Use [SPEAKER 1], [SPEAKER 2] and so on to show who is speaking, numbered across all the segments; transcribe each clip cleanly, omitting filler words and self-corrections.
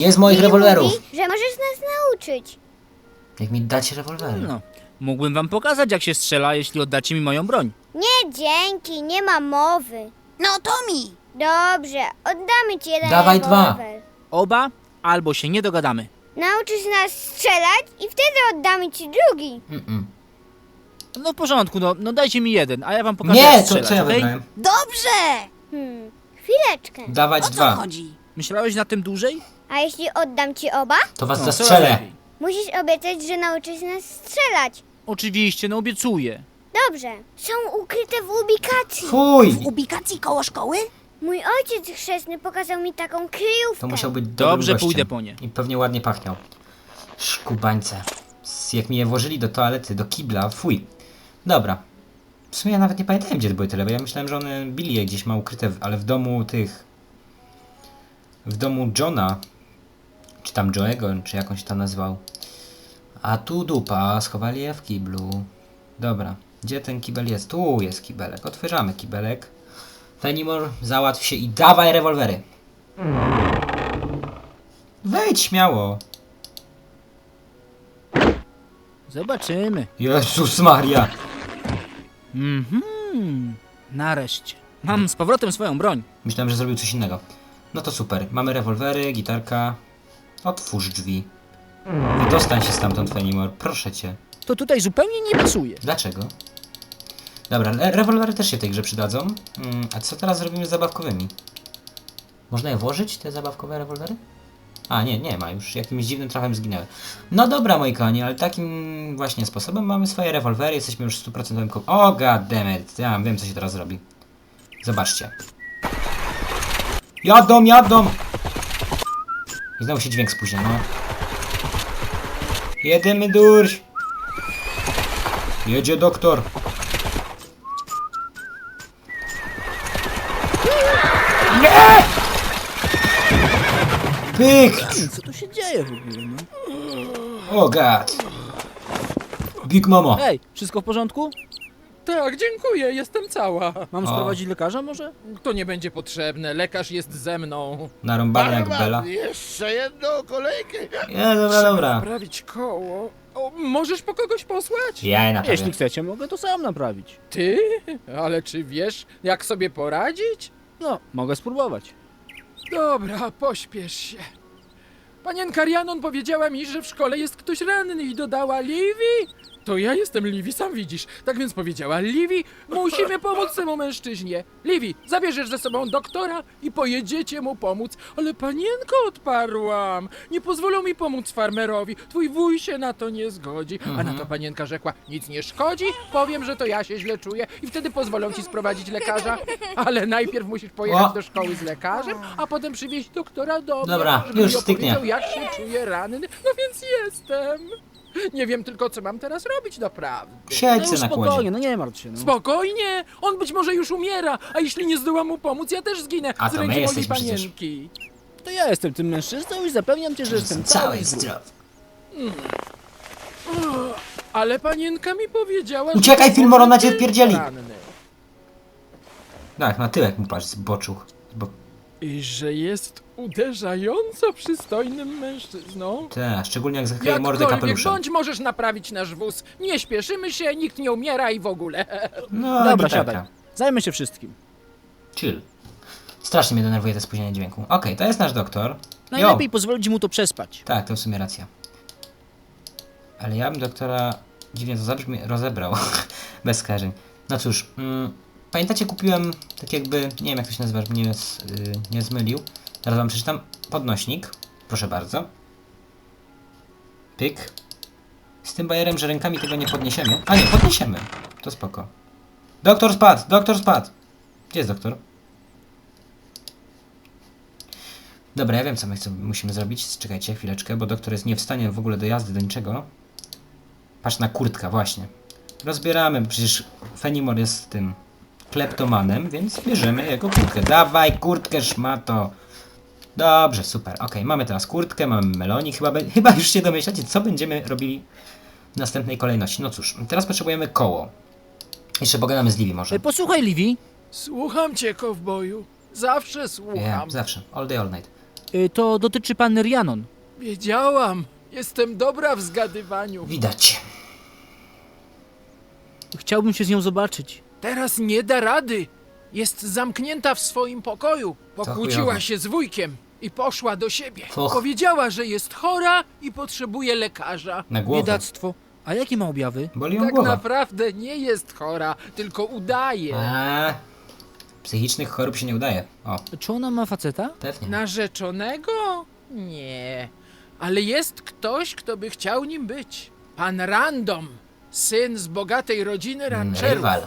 [SPEAKER 1] Nie z moich
[SPEAKER 2] Billy
[SPEAKER 1] rewolwerów.
[SPEAKER 2] mówi, że możesz nas nauczyć.
[SPEAKER 1] Jak mi dacie rewolwery.
[SPEAKER 3] No, mógłbym wam pokazać, jak się strzela, jeśli oddacie mi moją broń.
[SPEAKER 2] Nie, dzięki, nie ma mowy.
[SPEAKER 4] No Tommy!
[SPEAKER 2] Dobrze, oddamy ci jeden
[SPEAKER 1] Dawaj
[SPEAKER 2] rewolwer.
[SPEAKER 3] Oba, albo się nie dogadamy.
[SPEAKER 2] Nauczysz nas strzelać i wtedy oddamy ci drugi.
[SPEAKER 3] No w porządku, no dajcie mi jeden, a ja wam pokażę,
[SPEAKER 1] Nie,
[SPEAKER 3] jak
[SPEAKER 1] to
[SPEAKER 3] strzelać,
[SPEAKER 1] co ja
[SPEAKER 3] okej?
[SPEAKER 1] wybrałem?
[SPEAKER 4] Dobrze!
[SPEAKER 2] Chwileczkę.
[SPEAKER 1] Dawać
[SPEAKER 4] O co
[SPEAKER 1] dwa.
[SPEAKER 4] chodzi?
[SPEAKER 3] Myślałeś na tym dłużej?
[SPEAKER 2] A jeśli oddam ci oba?
[SPEAKER 1] To was
[SPEAKER 3] No,
[SPEAKER 1] zastrzelę.
[SPEAKER 3] coraz lepiej.
[SPEAKER 2] Musisz obiecać, że nauczysz nas strzelać.
[SPEAKER 3] Oczywiście, no obiecuję.
[SPEAKER 2] Dobrze. Są ukryte w ubikacji.
[SPEAKER 1] Fuj!
[SPEAKER 4] W ubikacji koło szkoły?
[SPEAKER 2] Mój ojciec chrzestny pokazał mi taką kryjówkę.
[SPEAKER 1] To musiał być dobrym
[SPEAKER 3] Dobrze,
[SPEAKER 1] gościem.
[SPEAKER 3] pójdę po nie.
[SPEAKER 1] I pewnie ładnie pachniał. Szkubańce. Jak mi je włożyli do toalety, do kibla, fuj. Dobra. W sumie ja nawet nie pamiętałem, gdzie były tyle, bo ja myślałem, że one Billy je gdzieś ma ukryte, ale w domu tych... W domu Johna, czy tam Joe'ego, czy jakąś tam nazwał. A tu dupa, schowali je w kiblu. Dobra, gdzie ten kibel jest? Tu jest kibelek, otwieramy kibelek. Fenimore, załatw się i dawaj rewolwery. Wejdź śmiało.
[SPEAKER 3] Zobaczymy.
[SPEAKER 1] Jezus Maria.
[SPEAKER 3] Nareszcie. Mam z powrotem swoją broń.
[SPEAKER 1] Myślałem, że zrobił coś innego. No to super. Mamy rewolwery, gitarka. Otwórz drzwi. Wydostań się stamtąd, Fenimore. Proszę cię.
[SPEAKER 3] To tutaj zupełnie nie pasuje.
[SPEAKER 1] Dlaczego? Dobra, rewolwery też się w tej grze przydadzą. A co teraz zrobimy z zabawkowymi? Można je włożyć, te zabawkowe rewolwery? A, nie ma już. Jakimś dziwnym trafem zginęły. No dobra, moi kochani, ale takim właśnie sposobem mamy swoje rewolwery. Jesteśmy już 100% O, goddammit. Ja wiem, co się teraz robi. Zobaczcie. Jadą! I znowu się dźwięk spóźnia, no. Jedziemy durś. Jedzie doktor. Nie! Pyk!
[SPEAKER 3] Co tu się dzieje w ogóle, no?
[SPEAKER 1] O god. Big Mama.
[SPEAKER 3] Ej, wszystko w porządku?
[SPEAKER 5] Tak, dziękuję, jestem cała.
[SPEAKER 3] Mam sprowadzić lekarza może?
[SPEAKER 5] To nie będzie potrzebne, lekarz jest ze mną.
[SPEAKER 1] Narąbany jak
[SPEAKER 6] Barman,
[SPEAKER 1] Bela.
[SPEAKER 6] jeszcze jedną kolejkę.
[SPEAKER 1] Nie, dobra.
[SPEAKER 5] Naprawić koło. O, możesz po kogoś posłać?
[SPEAKER 1] Ja je naprawię.
[SPEAKER 3] Jeśli chcecie, mogę to sam naprawić.
[SPEAKER 5] Ty? Ale czy wiesz, jak sobie poradzić?
[SPEAKER 3] No, mogę spróbować.
[SPEAKER 5] Dobra, pośpiesz się. Panienka Rhiannon powiedziała mi, że w szkole jest ktoś ranny i dodała Livy. To ja jestem Livy, sam widzisz. Tak więc powiedziała Livy, musimy pomóc temu mężczyźnie. Livy, zabierzesz ze sobą doktora i pojedziecie mu pomóc. Ale panienko, odparłam, nie pozwolą mi pomóc farmerowi. Twój wuj się na to nie zgodzi. A na to panienka rzekła, nic nie szkodzi, powiem, że to ja się źle czuję i wtedy pozwolą ci sprowadzić lekarza. Ale najpierw musisz pojechać
[SPEAKER 1] O.
[SPEAKER 5] do szkoły z lekarzem, a potem przywieźć doktora do mnie,
[SPEAKER 1] Dobra,
[SPEAKER 5] żeby
[SPEAKER 1] już
[SPEAKER 5] mi
[SPEAKER 1] styknie.
[SPEAKER 5] opowiedział, jak się czuje ranny. No więc jestem. Nie wiem tylko, co mam teraz robić naprawdę.
[SPEAKER 1] Siedź
[SPEAKER 3] No
[SPEAKER 1] se
[SPEAKER 3] już
[SPEAKER 1] na kłodzie.
[SPEAKER 3] spokojnie, no nie martw się, no.
[SPEAKER 5] Spokojnie, on być może już umiera, a jeśli nie zdołam mu pomóc, ja też zginę
[SPEAKER 1] A
[SPEAKER 5] z
[SPEAKER 1] to my
[SPEAKER 5] ręki mojej
[SPEAKER 1] jesteśmy przecież.
[SPEAKER 5] panienki.
[SPEAKER 3] To ja jestem tym mężczyzną i zapewniam cię, że jestem cały
[SPEAKER 1] Cały
[SPEAKER 3] i zdrowy.
[SPEAKER 1] zdrowy.
[SPEAKER 5] Ale panienka mi powiedziała,
[SPEAKER 1] Uciekaj,
[SPEAKER 5] że
[SPEAKER 1] Fillmore, ona cię
[SPEAKER 5] ty
[SPEAKER 1] wpierdzieli.
[SPEAKER 5] ranny.
[SPEAKER 1] Tak, na tyłek mu patrz, zboczuch.
[SPEAKER 5] I że jest uderzająco przystojnym mężczyzną.
[SPEAKER 1] Tak, szczególnie jak zakryje mordę
[SPEAKER 5] Jakkolwiek
[SPEAKER 1] kapeluszem.
[SPEAKER 5] bądź, możesz naprawić nasz wóz. Nie śpieszymy się, nikt nie umiera i w ogóle.
[SPEAKER 1] No,
[SPEAKER 3] Dobra,
[SPEAKER 1] gitarka.
[SPEAKER 3] siadaj. Zajmę się wszystkim.
[SPEAKER 1] Chill. Strasznie mnie denerwuje to spóźnienie dźwięku. Okej, to jest nasz doktor.
[SPEAKER 3] Najlepiej pozwolić mu to przespać.
[SPEAKER 1] Tak, to w sumie racja. Ale ja bym doktora dziwnie to zabrzmi rozebrał. Bez skażeń. No cóż, pamiętacie, kupiłem tak jakby, nie wiem jak to się nazywa, żeby nie zmylił. Teraz wam przeczytam. Podnośnik. Proszę bardzo. Pyk. Z tym bajerem, że rękami tego nie podniesiemy. A nie, podniesiemy. To spoko. Doktor spadł! Doktor spadł! Gdzie jest doktor? Dobra, ja wiem co my musimy zrobić. Czekajcie chwileczkę, bo doktor jest nie w stanie w ogóle do jazdy, do niczego. Patrz na kurtka, właśnie. Rozbieramy, przecież Fenimore jest tym kleptomanem, więc bierzemy jego kurtkę. Dawaj kurtkę, szmato! Dobrze, super. Okej, mamy teraz kurtkę, mamy melonik. Chyba już się domyślacie, co będziemy robili w następnej kolejności. No cóż, teraz potrzebujemy koło. Jeszcze pogadamy z Livy może.
[SPEAKER 3] Posłuchaj, Livy.
[SPEAKER 5] Słucham cię, kowboju. Zawsze słucham.
[SPEAKER 1] Zawsze. All day, all night.
[SPEAKER 3] To dotyczy panny Rhiannon.
[SPEAKER 5] Wiedziałam. Jestem dobra w zgadywaniu.
[SPEAKER 1] Widać.
[SPEAKER 3] Chciałbym się z nią zobaczyć.
[SPEAKER 5] Teraz nie da rady. Jest zamknięta w swoim pokoju.
[SPEAKER 1] chujowo.
[SPEAKER 5] Pokłóciła się z wujkiem i poszła do siebie.
[SPEAKER 1] Och.
[SPEAKER 5] Powiedziała, że jest chora i potrzebuje lekarza.
[SPEAKER 1] Na głowę.
[SPEAKER 3] Biedactwo. A jakie ma objawy?
[SPEAKER 1] Boli ją
[SPEAKER 5] Tak
[SPEAKER 1] głowa.
[SPEAKER 5] naprawdę nie jest chora, tylko udaje.
[SPEAKER 1] Psychicznych chorób się nie udaje. O,
[SPEAKER 3] Czy ona ma faceta?
[SPEAKER 1] pewnie.
[SPEAKER 5] Narzeczonego? Nie. Ale jest ktoś, kto by chciał nim być. Pan Random, syn z bogatej rodziny rancherów.
[SPEAKER 1] Rywal.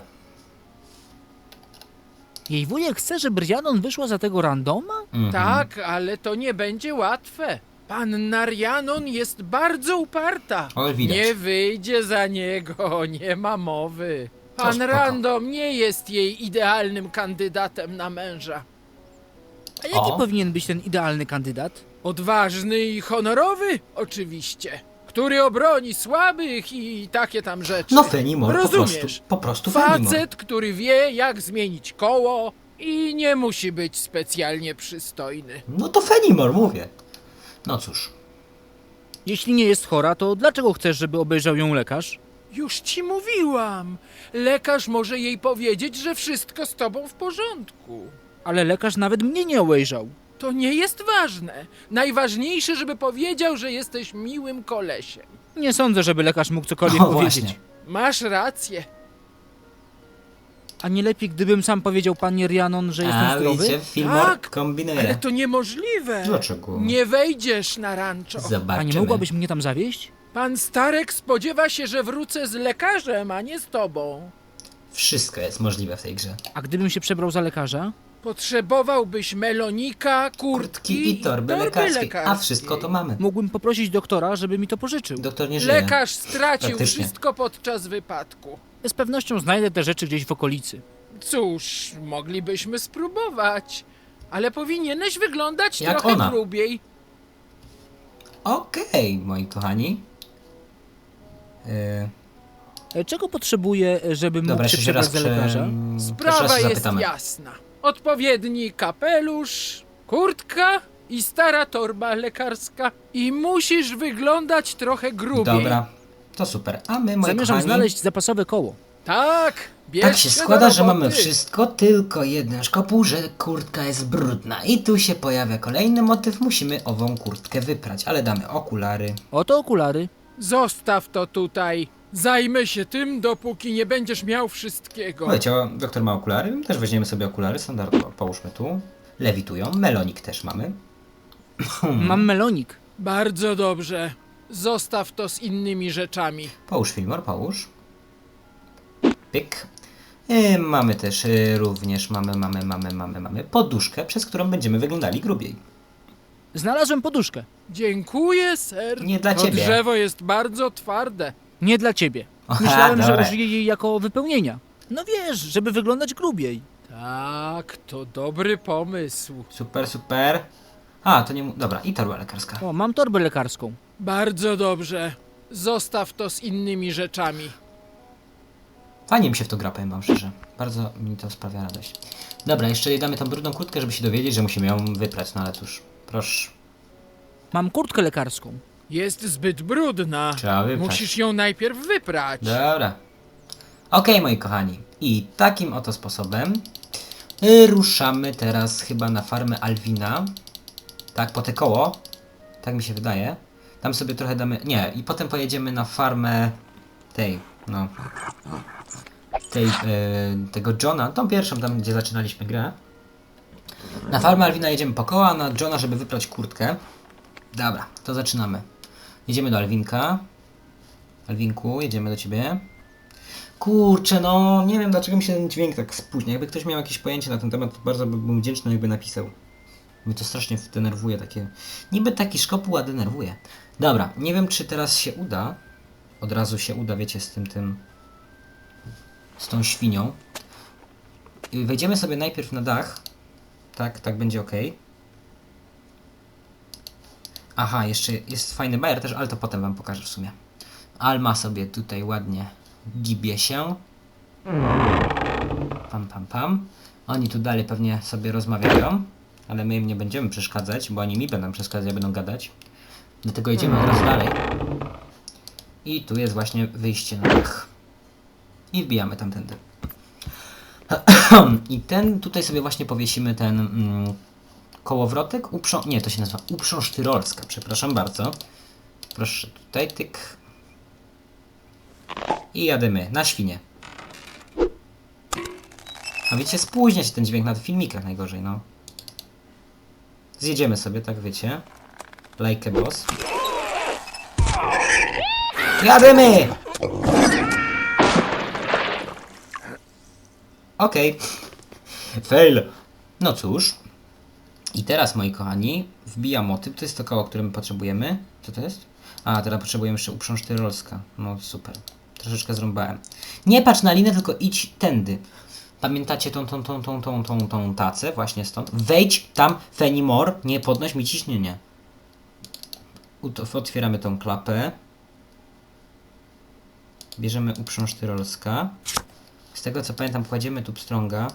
[SPEAKER 3] Jej wujek chce, żeby Rhiannon wyszła za tego randoma?
[SPEAKER 1] Mhm.
[SPEAKER 5] Tak, ale to nie będzie łatwe. Panna Rhiannon jest bardzo uparta.
[SPEAKER 1] O, widać.
[SPEAKER 5] Nie wyjdzie za niego, nie ma mowy.
[SPEAKER 1] To
[SPEAKER 5] Pan
[SPEAKER 1] spoko.
[SPEAKER 5] Random nie jest jej idealnym kandydatem na męża.
[SPEAKER 3] A jaki
[SPEAKER 1] O.
[SPEAKER 3] powinien być ten idealny kandydat?
[SPEAKER 5] Odważny i honorowy, oczywiście. Który obroni słabych i takie tam rzeczy.
[SPEAKER 1] No Fenimore,
[SPEAKER 5] Rozumiesz?
[SPEAKER 1] po prostu Fenimore.
[SPEAKER 5] Facet, który wie, jak zmienić koło i nie musi być specjalnie przystojny.
[SPEAKER 1] No to Fenimore, mówię. No cóż.
[SPEAKER 3] Jeśli nie jest chora, to dlaczego chcesz, żeby obejrzał ją lekarz?
[SPEAKER 5] Już ci mówiłam. Lekarz może jej powiedzieć, że wszystko z tobą w porządku.
[SPEAKER 3] Ale lekarz nawet mnie nie obejrzał.
[SPEAKER 5] To nie jest ważne. Najważniejsze, żeby powiedział, że jesteś miłym kolesiem.
[SPEAKER 3] Nie sądzę, żeby lekarz mógł cokolwiek
[SPEAKER 1] O,
[SPEAKER 3] powiedzieć.
[SPEAKER 1] właśnie.
[SPEAKER 5] Masz rację.
[SPEAKER 3] A nie lepiej, gdybym sam powiedział pannie Rhiannon, że jestem
[SPEAKER 1] A
[SPEAKER 3] zdrowy?
[SPEAKER 1] widzicie, Fillmore
[SPEAKER 5] Tak,
[SPEAKER 1] kombinuje.
[SPEAKER 5] Ale to niemożliwe.
[SPEAKER 1] Dlaczego?
[SPEAKER 5] Nie wejdziesz na rancho.
[SPEAKER 1] Zobaczymy.
[SPEAKER 3] A nie mogłabyś mnie tam zawieźć?
[SPEAKER 5] Pan Starek spodziewa się, że wrócę z lekarzem, a nie z tobą.
[SPEAKER 1] Wszystko jest możliwe w tej grze.
[SPEAKER 3] A gdybym się przebrał za lekarza?
[SPEAKER 5] Potrzebowałbyś melonika, kurtki
[SPEAKER 1] I torby lekarskie. A wszystko to mamy.
[SPEAKER 3] Mógłbym poprosić doktora, żeby mi to pożyczył.
[SPEAKER 1] Doktor nie żyje.
[SPEAKER 5] Lekarz stracił
[SPEAKER 1] Praktycznie.
[SPEAKER 5] wszystko podczas wypadku.
[SPEAKER 3] Z pewnością znajdę te rzeczy gdzieś w okolicy.
[SPEAKER 5] Cóż, moglibyśmy spróbować. Ale powinieneś wyglądać
[SPEAKER 1] Jak
[SPEAKER 5] trochę
[SPEAKER 1] ona.
[SPEAKER 5] grubiej.
[SPEAKER 1] Okej, moi kochani.
[SPEAKER 3] Czego potrzebuję, żeby mógł
[SPEAKER 1] Dobra,
[SPEAKER 3] się
[SPEAKER 1] jeszcze raz,
[SPEAKER 3] przebrać za lekarza?
[SPEAKER 1] jeszcze raz
[SPEAKER 5] Sprawa
[SPEAKER 1] się
[SPEAKER 5] jest
[SPEAKER 1] zapytamy.
[SPEAKER 5] jasna. Odpowiedni kapelusz, kurtka i stara torba lekarska. I musisz wyglądać trochę grubiej.
[SPEAKER 1] Dobra, to super. A my, moi
[SPEAKER 3] Zamierzam
[SPEAKER 1] kochani,
[SPEAKER 3] znaleźć zapasowe koło.
[SPEAKER 5] Tak, bierz
[SPEAKER 1] tak się
[SPEAKER 5] do
[SPEAKER 1] składa, że
[SPEAKER 5] roboty.
[SPEAKER 1] mamy wszystko, tylko jeden szkopuł, że kurtka jest brudna. I tu się pojawia kolejny motyw, musimy ową kurtkę wyprać, ale damy okulary.
[SPEAKER 3] Oto okulary.
[SPEAKER 5] Zostaw to tutaj. Zajmę się tym, dopóki nie będziesz miał wszystkiego.
[SPEAKER 1] Słuchajcie, doktor ma okulary, też weźmiemy sobie okulary, standardowo, połóżmy tu. Lewitują, melonik też mamy.
[SPEAKER 3] Mam melonik.
[SPEAKER 5] Bardzo dobrze. Zostaw to z innymi rzeczami.
[SPEAKER 1] Połóż, Fillmore, połóż. Pyk. Mamy też również, mamy poduszkę, przez którą będziemy wyglądali grubiej.
[SPEAKER 3] Znalazłem poduszkę.
[SPEAKER 5] Dziękuję, ser.
[SPEAKER 1] Nie dla
[SPEAKER 5] to
[SPEAKER 1] ciebie.
[SPEAKER 5] drzewo jest bardzo twarde.
[SPEAKER 3] Nie dla ciebie.
[SPEAKER 1] Aha,
[SPEAKER 3] Myślałem, że
[SPEAKER 1] dobra.
[SPEAKER 3] użyję jej jako wypełnienia. No wiesz, żeby wyglądać grubiej.
[SPEAKER 5] Tak, to dobry pomysł.
[SPEAKER 1] Super, super. A, to nie... Dobra, i torba lekarska.
[SPEAKER 3] O, mam torbę lekarską.
[SPEAKER 5] Bardzo dobrze. Zostaw to z innymi rzeczami.
[SPEAKER 1] Fajnie mi się w to gra, powiem wam szczerze. Bardzo mi to sprawia radość. Dobra, jeszcze jej damy tą brudną kurtkę, żeby się dowiedzieć, że musimy ją wyprać, no ale cóż, proszę.
[SPEAKER 3] Mam kurtkę lekarską.
[SPEAKER 5] Jest zbyt brudna.
[SPEAKER 1] Trzeba wyprać.
[SPEAKER 5] Musisz ją najpierw wyprać.
[SPEAKER 1] Dobra. Okej, moi kochani. I takim oto sposobem ruszamy teraz chyba na farmę Alwina. Tak, po te koło. Tak mi się wydaje. Tam sobie trochę damy... Nie, i potem pojedziemy na farmę tej, no... tego Johna, tą pierwszą tam, gdzie zaczynaliśmy grę. Na farmę Alwina jedziemy po koła, a na Johna, żeby wyprać kurtkę. Dobra, to zaczynamy. Jedziemy do Alwinka. Alwinku, jedziemy do ciebie. Kurczę, no nie wiem dlaczego mi się ten dźwięk tak spóźnia. Jakby ktoś miał jakieś pojęcie na ten temat, to bardzo bym wdzięczny, jakby napisał. Mnie to strasznie denerwuje, takie... Niby taki szkopuł, a denerwuje. Dobra, nie wiem czy teraz się uda. Od razu się uda, wiecie, z tym... z tą świnią. Wejdziemy sobie najpierw na dach. Tak będzie ok. Aha, jeszcze jest fajny bajer też, ale to potem wam pokażę w sumie. Alma sobie tutaj ładnie gibie się. Pam. Oni tu dalej pewnie sobie rozmawiają. ale my im nie będziemy przeszkadzać, bo oni mi będą przeszkadzać, będą gadać. Dlatego idziemy od razu dalej. I tu jest właśnie wyjście na dach. I wbijamy tamtędy. I tutaj sobie właśnie powiesimy ten kołowrotek. Nie, to się nazywa uprząż tyrolska, przepraszam bardzo. Proszę tutaj, tyk. I jadymy na świnie. A wiecie, spóźnia się ten dźwięk na filmikach najgorzej, no. Zjedziemy sobie, tak wiecie. Like a boss. Jadymy! Okej. Fail. No cóż. I teraz, moi kochani, wbijam motyw. To jest to koło, które my potrzebujemy. Co to jest? A, teraz potrzebujemy jeszcze uprząż tyrolska. No super. Troszeczkę zrąbałem. Nie patrz na linę, tylko idź tędy. Pamiętacie tą tacę? Właśnie stąd. Wejdź tam, Fenimore. Nie podnoś mi ciśnienia. Otwieramy tą klapę. Bierzemy uprząż tyrolska. Z tego co pamiętam, kładziemy tu pstrąga.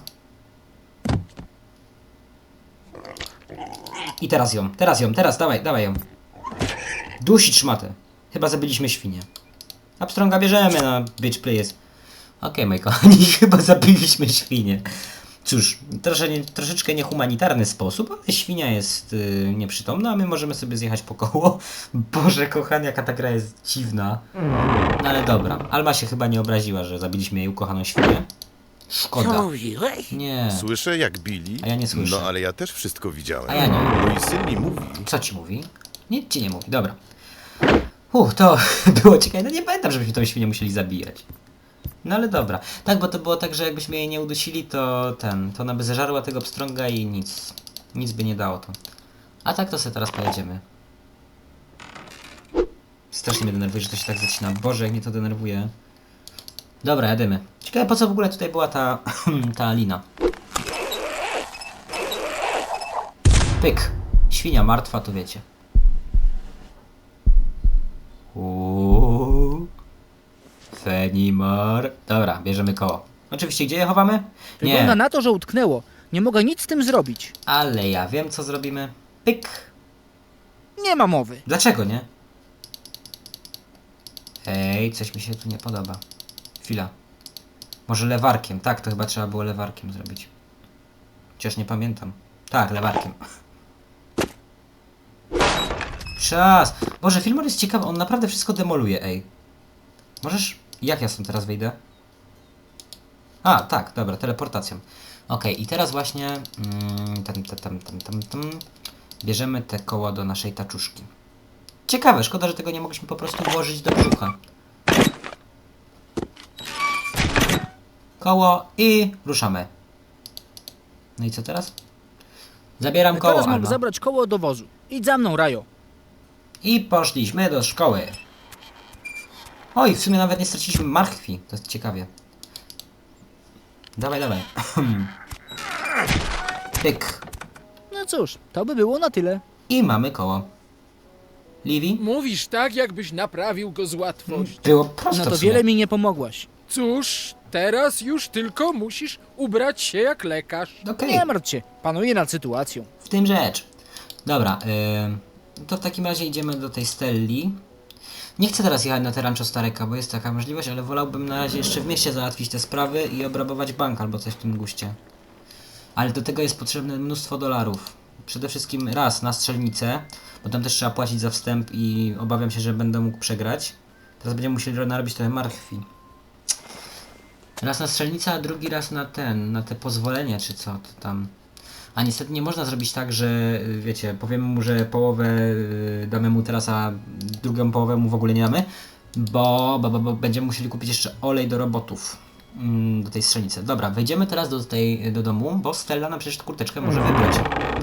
[SPEAKER 1] I teraz ją, dawaj ją. Dusić szmatę. Chyba zabiliśmy świnię. A pstrąga bierzemy na bitch please. Okej, moi kochani, chyba zabiliśmy świnię. Cóż, troszeczkę niehumanitarny sposób, ale świnia jest nieprzytomna, a my możemy sobie zjechać po koło. Boże kochany, jaka ta gra jest dziwna. No ale dobra, Alma się chyba nie obraziła, że zabiliśmy jej ukochaną świnię. Szkoda.
[SPEAKER 6] mówiłeś?
[SPEAKER 1] Nie.
[SPEAKER 7] Słyszę jak bili.
[SPEAKER 1] A ja nie słyszę.
[SPEAKER 7] No ale ja też wszystko widziałem.
[SPEAKER 1] A ja nie.
[SPEAKER 7] Mój syn mi mówi.
[SPEAKER 1] Co ci mówi? Nic ci nie mówi, dobra. To było ciekawe. No nie pamiętam, żebyśmy tą świnię musieli zabijać. No ale dobra. Tak, bo to było tak, że jakbyśmy jej nie udusili, to ona by zeżarła tego pstrąga i nic by nie dało to. A tak to sobie teraz pojedziemy. Strasznie mnie denerwuje, że to się tak zacina. Boże, jak mnie to denerwuje. Dobra, jadymy. Ciekawe, po co w ogóle tutaj była ta lina. Pyk. Świnia martwa, to wiecie. Fenimore. Dobra, bierzemy koło. Oczywiście, gdzie je chowamy?
[SPEAKER 3] Wygląda
[SPEAKER 1] Nie,
[SPEAKER 3] na to, że utknęło. Nie mogę nic z tym zrobić.
[SPEAKER 1] ale ja wiem, co zrobimy. Pyk.
[SPEAKER 3] Nie ma mowy.
[SPEAKER 1] Dlaczego nie? Ej, coś mi się tu nie podoba. Chwila. Może lewarkiem. Tak, to chyba trzeba było lewarkiem zrobić. Chociaż nie pamiętam. Tak, lewarkiem. Czas! Boże, Fillmore jest ciekawy, on naprawdę wszystko demoluje, ej. Możesz... Jak ja stąd teraz wyjdę? A, tak, dobra, teleportacją. Okej, i teraz właśnie... Bierzemy te koła do naszej taczuszki. Ciekawe, szkoda, że tego nie mogliśmy po prostu włożyć do brzucha. Koło i ruszamy. No i co teraz? Zabieram koło,
[SPEAKER 3] Teraz mam
[SPEAKER 1] Alma.
[SPEAKER 3] zabrać koło do wozu. Idź za mną, Rajo.
[SPEAKER 1] I poszliśmy do szkoły. Oj, w sumie nawet nie straciliśmy marchwi. To jest ciekawie. Dawaj. Pyk.
[SPEAKER 3] No cóż, to by było na tyle.
[SPEAKER 1] I mamy koło. Livy?
[SPEAKER 5] Mówisz tak, jakbyś naprawił go z łatwością.
[SPEAKER 1] Było prosto
[SPEAKER 3] No to
[SPEAKER 1] w sumie.
[SPEAKER 3] wiele mi nie pomogłaś.
[SPEAKER 5] Cóż, teraz już tylko musisz ubrać się jak lekarz.
[SPEAKER 1] Okej,
[SPEAKER 3] Nie martw się, panuję nad sytuacją.
[SPEAKER 1] w tym rzecz. Dobra, to w takim razie idziemy do tej Stelli. Nie chcę teraz jechać na te Rancho Stareka, bo jest taka możliwość, ale wolałbym na razie jeszcze w mieście załatwić te sprawy i obrabować bank albo coś w tym guście. Ale do tego jest potrzebne mnóstwo dolarów. Przede wszystkim raz na strzelnicę, bo tam też trzeba płacić za wstęp i obawiam się, że będę mógł przegrać. Teraz będziemy musieli narobić trochę marchwi. Raz na strzelnicę, a drugi raz na te pozwolenie, czy co to tam. A niestety nie można zrobić tak, że wiecie, powiemy mu, że połowę damy mu teraz, a drugą połowę mu w ogóle nie damy, bo będziemy musieli kupić jeszcze olej do robotów do tej strzelnicy. Dobra, wejdziemy teraz do domu, bo Stella nam przecież kurteczkę może wybrać.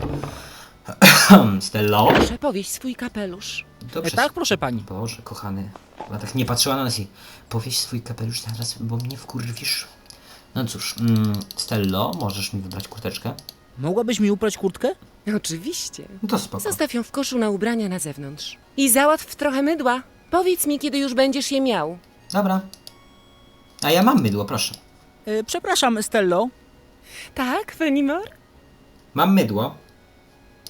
[SPEAKER 1] Stello?
[SPEAKER 8] Proszę powieść swój kapelusz.
[SPEAKER 1] Dobrze.
[SPEAKER 3] Tak, proszę pani.
[SPEAKER 1] Boże, kochany. Ona tak nie patrzyła na nas i powieś swój kapelusz teraz, bo mnie wkurwisz. No cóż, Stello, możesz mi wybrać kurteczkę?
[SPEAKER 3] Mogłabyś mi uprać kurtkę?
[SPEAKER 8] Oczywiście.
[SPEAKER 1] No to spoko.
[SPEAKER 8] Zostaw ją w koszu na ubrania na zewnątrz. I załatw trochę mydła. Powiedz mi, kiedy już będziesz je miał.
[SPEAKER 1] Dobra. A ja mam mydło, proszę.
[SPEAKER 3] Przepraszam, Stello.
[SPEAKER 8] Tak, Fenimore?
[SPEAKER 1] Mam mydło.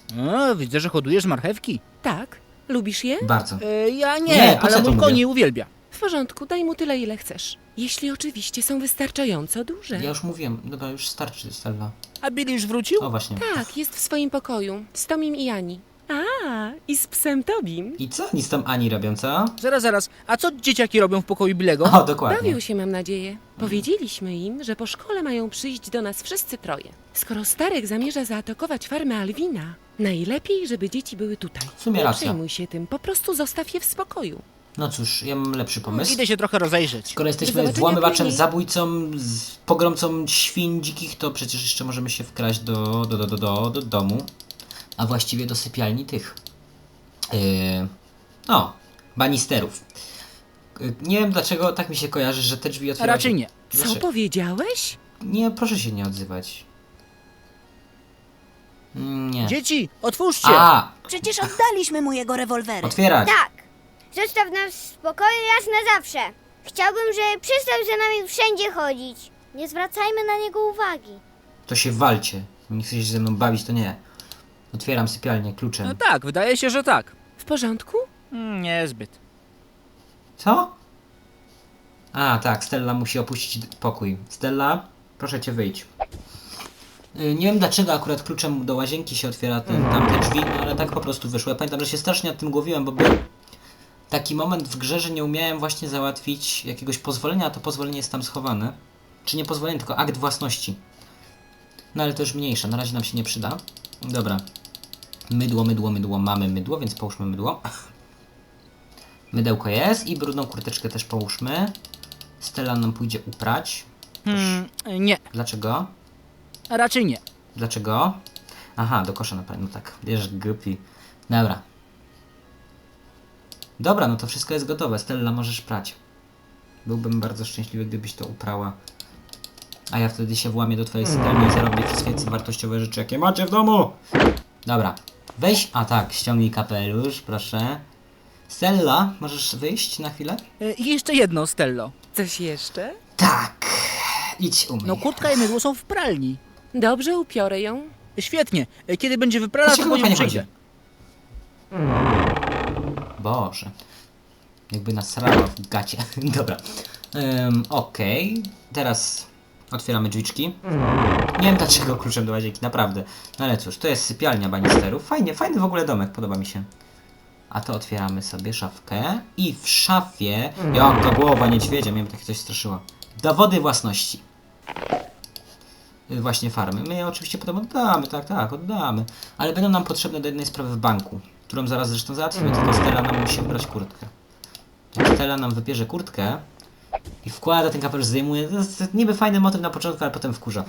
[SPEAKER 3] O, widzę, że hodujesz marchewki.
[SPEAKER 8] Tak? Lubisz je?
[SPEAKER 1] Bardzo.
[SPEAKER 3] Ja
[SPEAKER 1] Nie,
[SPEAKER 3] nie,
[SPEAKER 1] po co
[SPEAKER 3] ale
[SPEAKER 1] to
[SPEAKER 3] mój koń
[SPEAKER 1] mówię?
[SPEAKER 3] je uwielbia.
[SPEAKER 8] W porządku, daj mu tyle, ile chcesz. Jeśli oczywiście są wystarczająco duże.
[SPEAKER 1] Ja już mówiłem. Dobra, już starczy, Stella.
[SPEAKER 3] A Billy już wrócił?
[SPEAKER 1] O, właśnie.
[SPEAKER 8] Tak, jest w swoim pokoju. Z Tomim i Ani. A, i z psem Tobim.
[SPEAKER 1] I co oni z tą Ani robią, co?
[SPEAKER 3] Zaraz. A co dzieciaki robią w pokoju Billego?
[SPEAKER 1] O, dokładnie.
[SPEAKER 8] Bawią się, mam nadzieję. Powiedzieliśmy im, że po szkole mają przyjść do nas wszyscy troje. Skoro Starek zamierza zaatakować farmę Alwina, najlepiej, żeby dzieci były tutaj.
[SPEAKER 1] W sumie
[SPEAKER 8] Nie
[SPEAKER 1] racja.
[SPEAKER 8] przejmuj się tym, po prostu zostaw je w spokoju.
[SPEAKER 1] No cóż, ja mam lepszy pomysł.
[SPEAKER 3] Idę się trochę rozejrzeć.
[SPEAKER 1] Skoro
[SPEAKER 8] Do
[SPEAKER 1] jesteśmy
[SPEAKER 8] zobaczenia
[SPEAKER 1] włamywaczem,
[SPEAKER 8] później.
[SPEAKER 1] zabójcą, pogromcą świń dzikich, to przecież jeszcze możemy się wkraść do domu. A właściwie do sypialni tych. Banisterów. Nie wiem dlaczego tak mi się kojarzy, że te drzwi
[SPEAKER 3] A
[SPEAKER 1] otwierają
[SPEAKER 3] raczej
[SPEAKER 1] się...
[SPEAKER 3] nie.
[SPEAKER 8] Co
[SPEAKER 1] Dlaczego?
[SPEAKER 8] powiedziałeś?
[SPEAKER 1] Nie, proszę się nie odzywać. Nie.
[SPEAKER 3] Dzieci, otwórzcie!
[SPEAKER 1] A!
[SPEAKER 4] Przecież oddaliśmy mu jego rewolwery.
[SPEAKER 1] Otwierać!
[SPEAKER 2] Tak. Zostaw nas w spokoju raz na zawsze. Chciałbym, żeby przestał za nami wszędzie chodzić. Nie zwracajmy na niego uwagi.
[SPEAKER 1] To się walcie. Nie chcecie się ze mną bawić, to nie. Otwieram sypialnię kluczem.
[SPEAKER 3] No tak, wydaje się, że tak.
[SPEAKER 8] W porządku?
[SPEAKER 3] Niezbyt.
[SPEAKER 1] Co? A, tak, Stella musi opuścić pokój. Stella, proszę cię wyjdź. Nie wiem dlaczego akurat kluczem do łazienki się otwiera tamte drzwi, no ale tak po prostu wyszło. Ja pamiętam, że się strasznie nad tym głowiłem, bo był taki moment w grze, że nie umiałem właśnie załatwić jakiegoś pozwolenia, a to pozwolenie jest tam schowane. Czy nie pozwolenie, tylko akt własności. No ale to już mniejsza, na razie nam się nie przyda. Dobra. Mydło. Mamy mydło, więc połóżmy mydło. Mydełko jest i brudną kurteczkę też połóżmy. Stella nam pójdzie uprać.
[SPEAKER 3] Nie,
[SPEAKER 1] Dlaczego?
[SPEAKER 3] a raczej nie.
[SPEAKER 1] Dlaczego? Aha, do kosza na no tak. Wiesz, głupi. Dobra. Dobra, no to wszystko jest gotowe. Stella, możesz prać. Byłbym bardzo szczęśliwy, gdybyś to uprała. A ja wtedy się włamię do twojej sypialni i zarobię wszystkie wartościowe rzeczy, jakie macie w domu. Dobra. Weź, a tak, ściągnij kapelusz, proszę. Stella, możesz wyjść na chwilę?
[SPEAKER 3] I jeszcze jedno, Stello.
[SPEAKER 8] Coś jeszcze?
[SPEAKER 1] Tak. Idź umyj.
[SPEAKER 3] No kurtka i mydło są w pralni.
[SPEAKER 8] Dobrze, upiorę ją.
[SPEAKER 3] Świetnie. Kiedy będzie wyprana,
[SPEAKER 1] Dlaczego
[SPEAKER 3] to po nią
[SPEAKER 1] pani
[SPEAKER 3] przyjdę.
[SPEAKER 1] Boże. Jakby nasrała w gacie. Dobra. Okej. Teraz otwieramy drzwiczki. Nie wiem dlaczego kluczem do łazienki, naprawdę. No ale cóż, to jest sypialnia banisterów. Fajny w ogóle domek, podoba mi się. A to otwieramy sobie szafkę. I w szafie... Jaka głowa niedźwiedzia, mnie by takie coś straszyło. Dowody własności. Właśnie farmy. My je oczywiście potem oddamy, tak, oddamy. Ale będą nam potrzebne do jednej sprawy w banku, którą zaraz zresztą załatwimy, tylko Stella nam musi wybrać kurtkę. Jak Stella nam wybierze kurtkę i wkłada ten kapelusz, zdejmuje, to jest niby fajny motyw na początku, ale potem wkurza.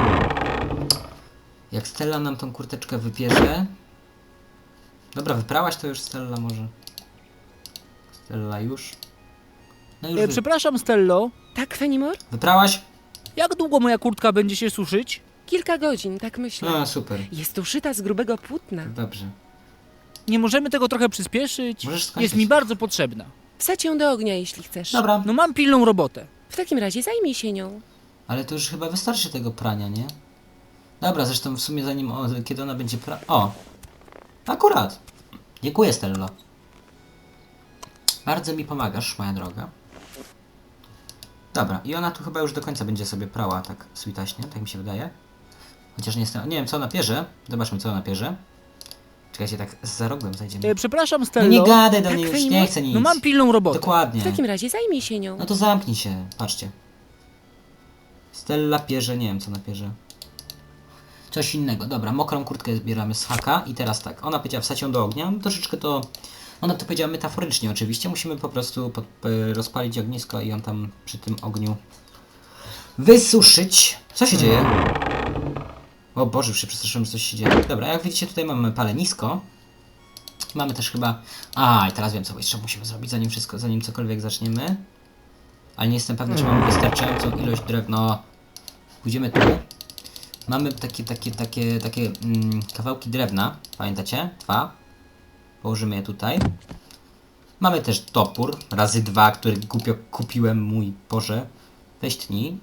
[SPEAKER 1] Jak Stella nam tą kurteczkę wybierze... Dobra, wyprałaś to już, Stella, może? Stella już? No już
[SPEAKER 3] Przepraszam, Stello.
[SPEAKER 8] Tak, Fenimore?
[SPEAKER 1] wyprałaś?
[SPEAKER 3] Jak długo moja kurtka będzie się suszyć?
[SPEAKER 8] Kilka godzin, tak myślę.
[SPEAKER 1] A, super.
[SPEAKER 8] Jest uszyta z grubego płótna.
[SPEAKER 1] Dobrze.
[SPEAKER 3] Nie możemy tego trochę przyspieszyć?
[SPEAKER 1] Możesz skończyć.
[SPEAKER 3] Jest mi bardzo potrzebna.
[SPEAKER 8] Wsadź ją do ognia, jeśli chcesz.
[SPEAKER 1] Dobra.
[SPEAKER 3] No mam pilną robotę.
[SPEAKER 8] W takim razie zajmij się nią.
[SPEAKER 1] Ale to już chyba wystarczy tego prania, nie? Dobra, zresztą w sumie zanim... kiedy ona będzie O! Akurat! Dziękuję, Stello. Bardzo mi pomagasz, moja droga. Dobra, i ona tu chyba już do końca będzie sobie prała tak switaśnie, tak mi się wydaje. Chociaż nie jestem... Nie wiem, co ona pierze. Zobaczmy, co ona pierze. Czekajcie, tak za rogiem zajdziemy.
[SPEAKER 3] Przepraszam,
[SPEAKER 1] No
[SPEAKER 3] Stello.
[SPEAKER 1] nie gadaj do
[SPEAKER 8] Tak,
[SPEAKER 1] niej już,
[SPEAKER 8] Fenimore?
[SPEAKER 1] nie chcę nic.
[SPEAKER 3] No mam pilną robotę.
[SPEAKER 1] Dokładnie.
[SPEAKER 8] W takim razie zajmij się nią.
[SPEAKER 1] No to zamknij się, patrzcie. Stella pierze, nie wiem co ona pierze. Coś innego, dobra, mokrą kurtkę zbieramy z haka i teraz tak, ona powiedziała wsadź ją do ognia, no troszeczkę to... Ona to powiedziała metaforycznie oczywiście, musimy po prostu rozpalić ognisko i ją tam przy tym ogniu wysuszyć. Co się dzieje? O Boże, już się przestraszyłem, że coś się dzieje. Dobra, jak widzicie tutaj mamy palenisko. Mamy też chyba... A, i teraz wiem co jeszcze musimy zrobić zanim cokolwiek zaczniemy. Ale nie jestem pewny, czy mamy wystarczającą ilość drewna. Pójdziemy tu. Mamy takie kawałki drewna, pamiętacie? 2. Położymy je tutaj. Mamy też topór, razy 2, który głupio kupiłem, mój Boże. Weź tnij.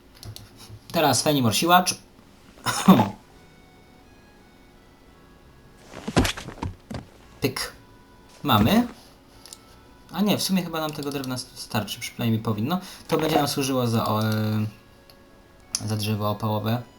[SPEAKER 1] Teraz Fenimore siłacz. mamy. A nie, w sumie chyba nam tego drewna starczy, przynajmniej powinno. To będzie nam służyło za drzewo opałowe.